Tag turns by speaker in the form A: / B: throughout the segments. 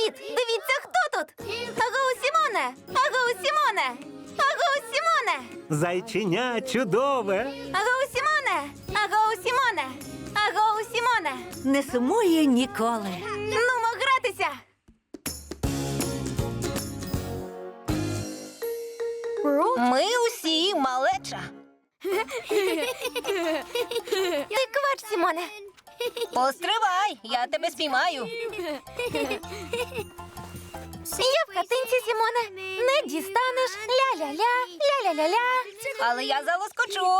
A: Привіт! Дивіться, хто тут! Агоу, Сімоне! Агоу, Сімоне! Агоу, Сімоне!
B: Зайченя чудове.
A: Агоу, Сімоне! Агоу, Сімоне! Агоу, Сімоне!
C: Не сумує ніколи.
A: Нумо гратися!
C: Ми усі малеча.
A: Ти квач, Сімоне!
C: Постривай, я тебе спіймаю.
A: Я в хатинці, Сімоне! Не дістанеш! Ля-ля-ля! Ля-ля-ля-ля!
C: Але я залоскочу.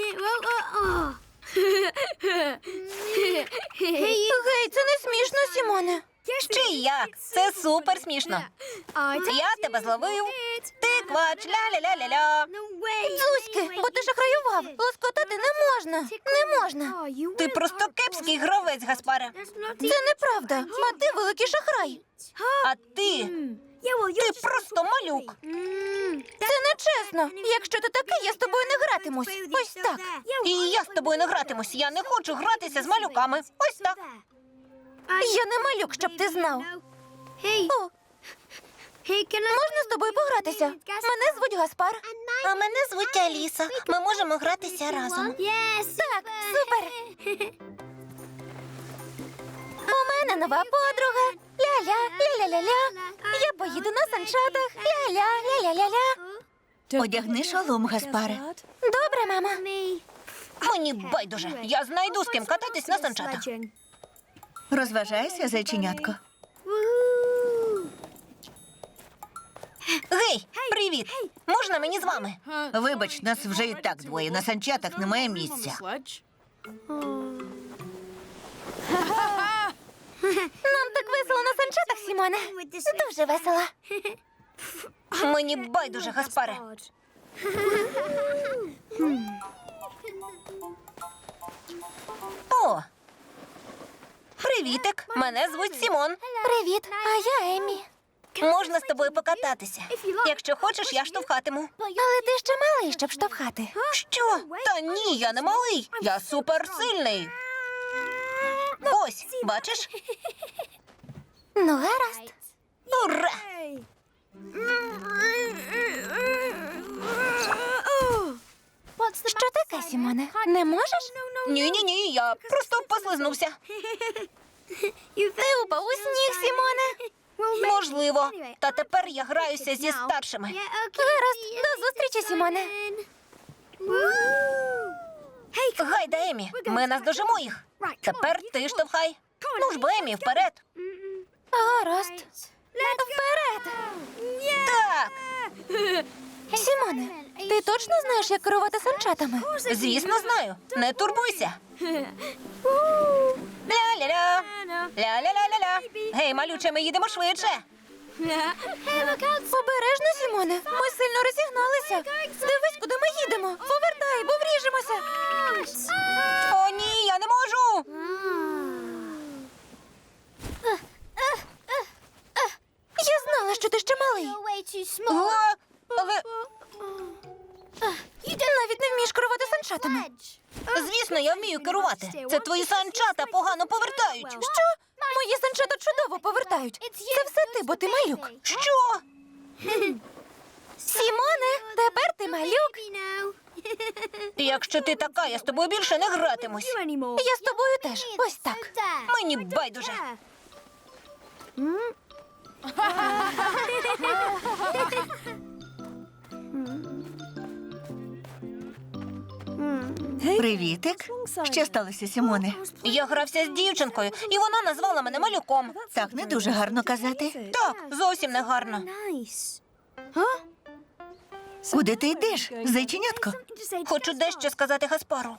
A: Гей, це не смішно, Сімоне!
C: Чи як? Це супер смішно. Я тебе зловив. Ти квач, ля-ля-ля-ля-ля.
A: Зузьки, бо ти шахраював! Лоскотати не можна! Не можна!
C: Ти просто кепський гравець, Гаспаре.
A: Це неправда! А ти великий шахрай!
C: А ти просто малюк.
A: Це нечесно! Якщо ти такий, я з тобою не гратимусь! Ось так!
C: І я з тобою не гратимусь. Я не хочу гратися з малюками. Ось так.
A: Я не малюк, щоб ти знав! О, можна з тобою погратися? Мене звуть Гаспар.
C: А мене звуть Аліса. Ми можемо гратися разом.
A: Так, супер! У мене нова подруга. Ля-ля, ля-ля-ля-ля. Я поїду на санчатах. Ля-ля, ля-ля-ля-ля.
C: Одягни шолом, Гаспаре.
A: Добре, мама.
C: Мені байдуже. Я знайду з ким кататись на санчатах. Розважайся, зайченятко. Гей, привіт! Можна мені з вами? Вибач, нас вже і так двоє. На санчатах немає місця.
A: Нам так весело на санчатах, Сімоне. Дуже весело.
C: Мені байдуже, Гаспаре. О! Привітик, мене звуть Сімон.
A: Привіт, а я Еммі.
C: Можна з тобою покататися. Якщо хочеш, я штовхатиму.
A: Але ти ще малий, щоб штовхати.
C: Що? Та ні, я не малий. Я суперсильний. Ось, бачиш?
A: Ну, гаразд.
C: Ура!
A: Що таке, Сімоне? Не можеш?
C: Ні, я просто послизнувся.
A: Ти упав у сніг, Сімоне.
C: Можливо. Та тепер я граюся зі старшими.
A: Гаразд, до зустрічі, Сімоне.
C: Гайда, Емі, ми наздожимо їх. Тепер ти штовхай. Ну ж бо, Емі, вперед.
A: Гаразд. Вперед!
C: Так,
A: Сімоне, ти точно знаєш, як керувати санчатами?
C: звісно, знаю. Не турбуйся. Ля-ля-ля. Ля-ля-ля-ля-ля. Гей, малюче, ми їдемо швидше.
A: Обережно, Сімоне. Ми сильно розігналися. Дивись, куди ми їдемо. Повертай, бо вріжемося.
C: О, ні, я не можу.
A: Я знала, що ти ще малий.
C: О, але,
A: Навіть не вмієш керувати санчатами.
C: звісно, я вмію керувати. Це твої санчата погано повертають.
A: Що? Мої санчата чудово повертають. Це все ти, бо ти малюк.
C: Що?
A: Сімоне, тепер ти малюк.
C: Якщо ти така, я з тобою більше не гратимусь.
A: Я з тобою теж. Ось так.
C: Мені байдуже.
D: Привітик. Що сталося, Сімоне?
C: Я грався з дівчинкою, і вона назвала мене малюком.
D: Так не дуже гарно казати.
C: Так, зовсім не гарно.
D: Куди ти йдеш, зайченятко?
C: Хочу дещо сказати Гаспару.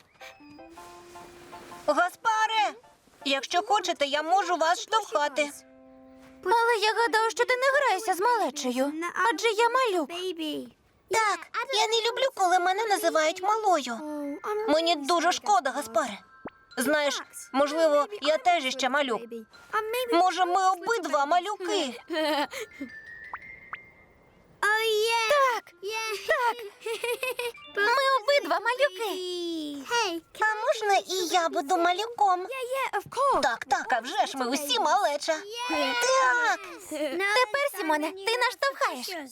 C: Гаспаре! Якщо хочете, я можу вас штовхати.
A: Але я гадав, що ти не граєшся з малечею. Адже я малюк.
C: Так, я не люблю, коли мене називають малою. Мені дуже шкода, Гаспаре. Знаєш, можливо, я теж іще малюк. Може, ми обидва малюки?
A: Так, Так. Ми обидва малюки.
C: А можна і я буду малюком? Так, так, а вже ж ми усі малеча. Так.
A: Тепер, Сімоне, ти наштовхаєш.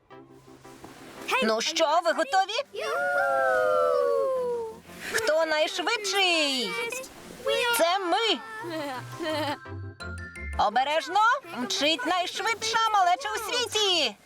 C: Ну що, ви готові? Хто найшвидший? Це ми. Обережно, мчить найшвидша малеча у світі.